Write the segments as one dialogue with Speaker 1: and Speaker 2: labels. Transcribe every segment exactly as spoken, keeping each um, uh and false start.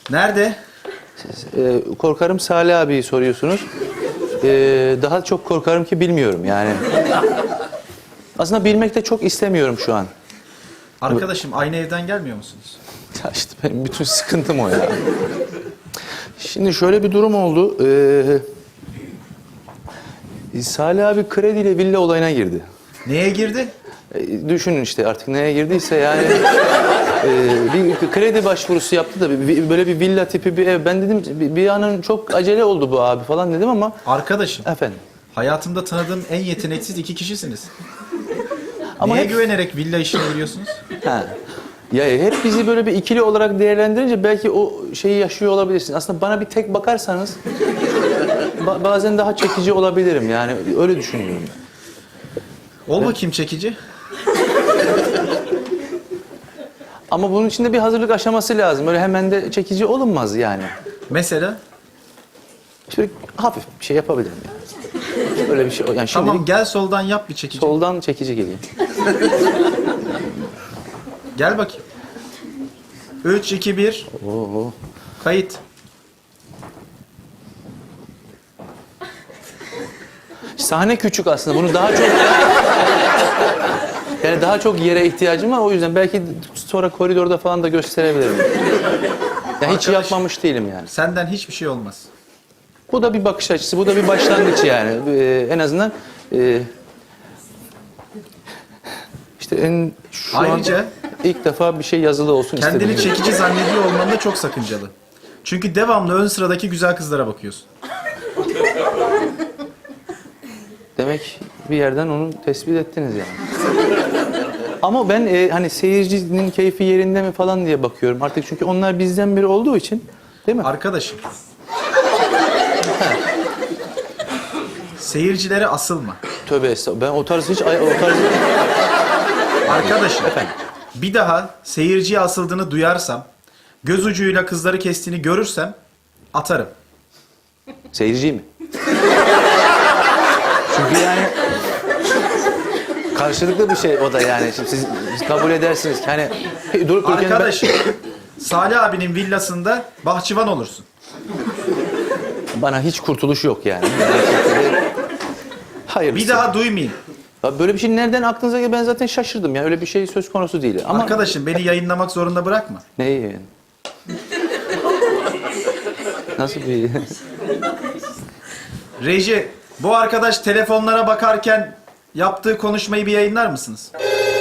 Speaker 1: Nerede?
Speaker 2: Ee, korkarım Salih abiyi soruyorsunuz. Ee, daha çok korkarım ki bilmiyorum yani. Aslında bilmek de çok istemiyorum şu an.
Speaker 1: Arkadaşım aynı evden gelmiyor musunuz?
Speaker 2: Ya işte benim bütün sıkıntım o ya. Şimdi şöyle bir durum oldu. Ee, Salih abi krediyle villa olayına girdi.
Speaker 1: Neye girdi?
Speaker 2: Ee, düşünün işte artık neye girdiyse yani. e, bir kredi başvurusu yaptı da bir, böyle bir villa tipi bir ev. Ben dedim bir, bir anın çok acele oldu bu abi falan dedim ama.
Speaker 1: Arkadaşım.
Speaker 2: Efendim.
Speaker 1: Hayatımda tanıdığım en yeteneksiz iki kişisiniz.
Speaker 2: Ama
Speaker 1: Neye
Speaker 2: hep...
Speaker 1: güvenerek villa işine giriyorsunuz?
Speaker 2: Ha. Ya hep bizi böyle bir ikili olarak değerlendirince belki o şeyi yaşıyor olabilirsin. Aslında bana bir tek bakarsanız ba- bazen daha çekici olabilirim yani öyle düşünüyorum.
Speaker 1: Ol bakayım çekici.
Speaker 2: Ama bunun için de bir hazırlık aşaması lazım. Öyle hemen de çekici olunmaz yani.
Speaker 1: Mesela?
Speaker 2: Şöyle hafif bir şey yapabilirim yani. Öyle bir şey. Yani şimdi
Speaker 1: Tamam gel soldan yap bir çekici.
Speaker 2: soldan çekici geleyim.
Speaker 1: Gel bakayım. Üç, iki, bir.
Speaker 2: Oo.
Speaker 1: Kayıt.
Speaker 2: Sahne küçük aslında. Bunu daha çok yani daha çok yere ihtiyacım var. O yüzden belki sonra koridorda falan da gösterebilirim. Ya hiç
Speaker 1: Arkadaş,
Speaker 2: yapmamış değilim yani.
Speaker 1: Senden hiçbir şey olmaz.
Speaker 2: Bu da bir bakış açısı. Bu da bir başlangıç yani. Ee, en azından e, işte en şu
Speaker 1: Ayrıca
Speaker 2: an ilk defa bir şey yazılı olsun istedim.
Speaker 1: kendini çekici zannediyor olman da çok sakıncalı. Çünkü devamlı ön sıradaki güzel kızlara bakıyorsun.
Speaker 2: Demek bir yerden onu tespit ettiniz yani. Ama ben e, hani seyircinin keyfi yerinde mi falan diye bakıyorum artık çünkü onlar bizden biri olduğu için, değil mi?
Speaker 1: Arkadaşım. Seyircilere asılma.
Speaker 2: Tövbe estağfurullah. Ben o tarz hiç ay- o tarz
Speaker 1: Arkadaşım.
Speaker 2: efendim.
Speaker 1: Bir daha seyirciye asıldığını duyarsam, göz ucuyla kızları kestiğini görürsem atarım.
Speaker 2: Seyirci mi? Çünkü yani karşılıklı bir şey o da yani. Şimdi siz, siz kabul edersiniz ki hani durup dururken ben-
Speaker 1: Arkadaşım. Salih abinin villasında bahçıvan olursun.
Speaker 2: bana hiç kurtuluş yok yani. Hayırlısı.
Speaker 1: Bir daha duymayayım.
Speaker 2: Ya böyle bir şey nereden aklınıza geldi? Ben zaten şaşırdım ya. Öyle bir şey söz konusu değil. Ama
Speaker 1: Arkadaşım beni yayınlamak zorunda bırakma.
Speaker 2: neyi yani? Nasıl bir...
Speaker 1: Reji, bu arkadaş telefonlara bakarken yaptığı konuşmayı bir yayınlar mısınız?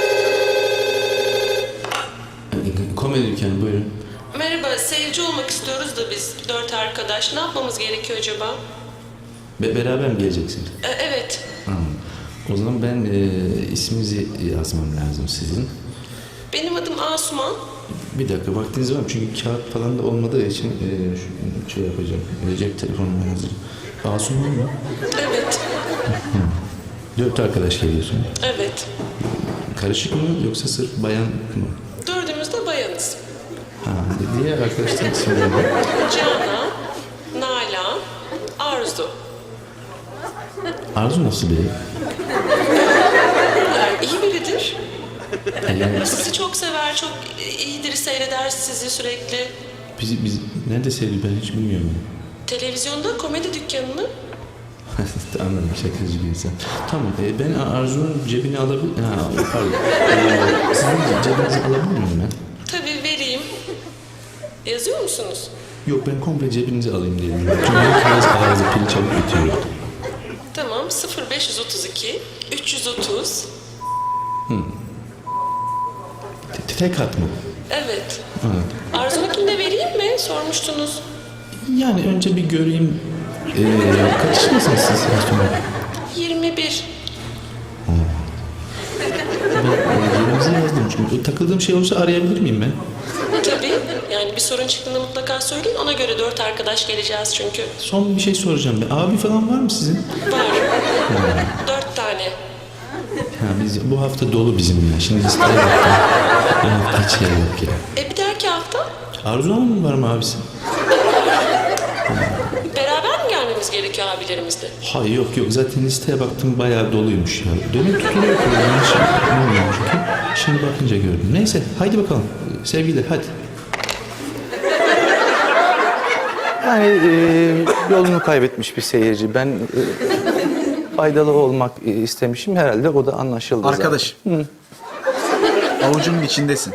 Speaker 3: Komedi dükkanı buyurun.
Speaker 4: Merhaba, seyirci olmak istiyoruz da biz dört arkadaş. Ne yapmamız gerekiyor acaba?
Speaker 3: Be beraber mi geleceksiniz?
Speaker 4: Ee, evet.
Speaker 3: Ha. O zaman ben e, isminizi yazmam lazım sizin.
Speaker 4: Benim adım Asuman.
Speaker 3: Bir dakika vaktiniz var mı? Çünkü kağıt falan da olmadığı için e, şu, şey yapacağım. E, cep telefonum hazır. Asuman mı?
Speaker 4: Evet.
Speaker 3: Dört arkadaş geliyorsun.
Speaker 4: Evet.
Speaker 3: Karışık mı yoksa sırf bayan mı?
Speaker 4: Dördümüz de bayanız.
Speaker 3: Ha, diğer arkadaşların isimleri ne?
Speaker 4: Canan, Nalan, Arzu.
Speaker 3: Arzu nasıl biri?
Speaker 4: Yani iyi biridir.
Speaker 3: E, Yani
Speaker 4: Sizi çok sever, çok iyidir, seyreder sizi sürekli.
Speaker 3: biz, biz nerede sevdi ben hiç bilmiyorum.
Speaker 4: Televizyonda komedi dükkanını.
Speaker 3: Anladım, şakacı bir insan. Tamam, e, ben Arzu'nun cebini alabilir... Ha, pardon. E, sizin cebinizi alabilir miyim ben?
Speaker 4: Tabii vereyim. Yazıyor musunuz?
Speaker 3: Yok, ben komple cebinizi alayım diye. Çünkü herkes ağzı pili çabuk bitiyor.
Speaker 4: Tamam, sıfır beş otuz iki, üç yüz otuz.
Speaker 3: Te- Tek hat mı?
Speaker 4: Evet.
Speaker 3: Evet.
Speaker 4: Arzu'nunkini de vereyim mi? Sormuştunuz.
Speaker 3: Yani önce bir göreyim. Ee, kaç yaşındasınız siz Asuman?
Speaker 4: yirmi bir.
Speaker 3: Ben e, yerinize yazdım çünkü. Takıldığım şey olursa arayabilir miyim ben?
Speaker 4: Tabii. Yani bir sorun çıktığında mutlaka söyleyin. Ona göre dört arkadaş geleceğiz çünkü.
Speaker 3: Son bir şey soracağım ben. Abi falan var mı sizin?
Speaker 4: Var. Dört tane.
Speaker 3: Ha, biz, bu hafta dolu bizim ya. Şimdi listeye baktım. Bu hafta hiç yer yok ya.
Speaker 4: E bir dahaki hafta
Speaker 3: Arzu Hanım var mı abisi?
Speaker 4: beraber mi gelmemiz gerekiyor abilerimizle?
Speaker 3: Hayır yok yok. Zaten listeye baktım bayağı doluymuş ya. Demek tutuluyor program. Hiç bilmiyorum çünkü. Şimdi bakınca gördüm. Neyse haydi bakalım. Sevgiler hadi.
Speaker 2: Yani e, yolunu kaybetmiş bir seyirci. Ben e, faydalı olmak e, istemişim. Herhalde o da anlaşıldı zaten.
Speaker 1: Arkadaş. Avucumun içindesin.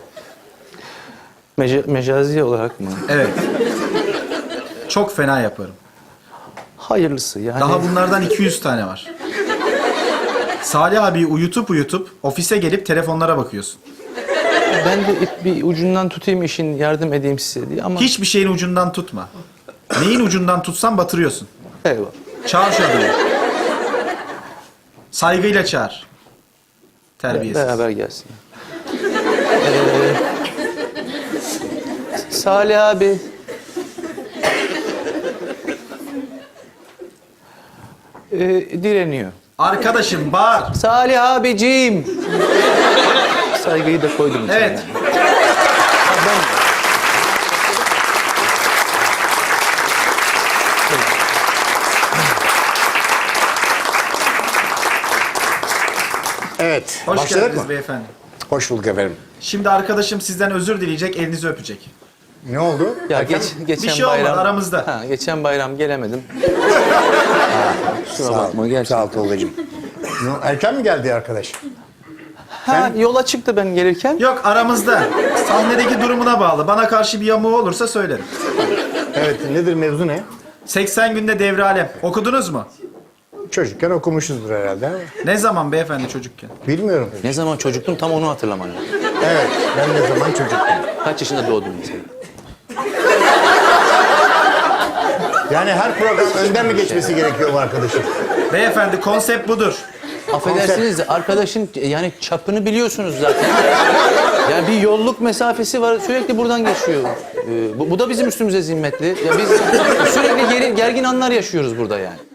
Speaker 2: Meca- mecazi olarak mı?
Speaker 1: Evet. Çok fena yaparım.
Speaker 2: Hayırlısı yani.
Speaker 1: Daha bunlardan iki yüz tane var. Salih abi uyutup uyutup ofise gelip telefonlara bakıyorsun.
Speaker 2: Ben de ip bir ucundan tutayım işin, yardım edeyim size diye ama...
Speaker 1: Hiçbir şeyin ucundan tutma. Neyin ucundan tutsan batırıyorsun.
Speaker 2: Eyvallah.
Speaker 1: Çağır şu adamı. Saygıyla çağır. Terbiyesiz.
Speaker 2: Beraber gelsin. Ee, Salih abi. Ee, direniyor.
Speaker 1: Arkadaşım bağır.
Speaker 2: Salih abiciğim. Saygıyı da koydum içine.
Speaker 1: Evet.
Speaker 2: Ha, ben...
Speaker 5: Evet.
Speaker 1: Hoş
Speaker 5: Başladık
Speaker 1: geldiniz
Speaker 5: mı?
Speaker 1: beyefendi.
Speaker 5: Hoş bulduk efendim.
Speaker 1: Şimdi arkadaşım sizden özür dileyecek, elinizi öpecek.
Speaker 5: Ne oldu?
Speaker 2: Ya geç, geçen
Speaker 1: Bir şey olmadı,
Speaker 2: bayram
Speaker 1: aramızda.
Speaker 2: Ha, geçen bayram gelemedim. Kusura
Speaker 5: Sağ ol.
Speaker 2: bakma gerçekten.
Speaker 5: Sağ ol Tolga'cığım. Ne- Erken mi geldi arkadaş?
Speaker 2: Ha, yola çıktı ben gelirken.
Speaker 1: Yok aramızda. Sahnedeki durumuna bağlı. Bana karşı bir yamuğu olursa söylerim.
Speaker 5: Evet. Nedir mevzu ne?
Speaker 1: seksen günde devre alem. Okudunuz mu?
Speaker 5: Çocukken okumuşuzdur herhalde. ama
Speaker 1: Ne zaman beyefendi çocukken?
Speaker 5: Bilmiyorum.
Speaker 2: Ne zaman çocuktum tam onu hatırlamam lazım.
Speaker 5: Evet. Ben ne zaman çocuktum.
Speaker 2: Kaç yaşında doğdun mesela?
Speaker 5: Yani her program önden mi geçmesi gerekiyor bu arkadaşım?
Speaker 1: Beyefendi konsept budur.
Speaker 2: Affedersiniz de arkadaşın yani çapını biliyorsunuz zaten. Yani bir yolluk mesafesi var sürekli buradan geçiyor. Ee, bu, bu da bizim üstümüze zimmetli. Ya biz sürekli geri, gergin anlar yaşıyoruz burada yani.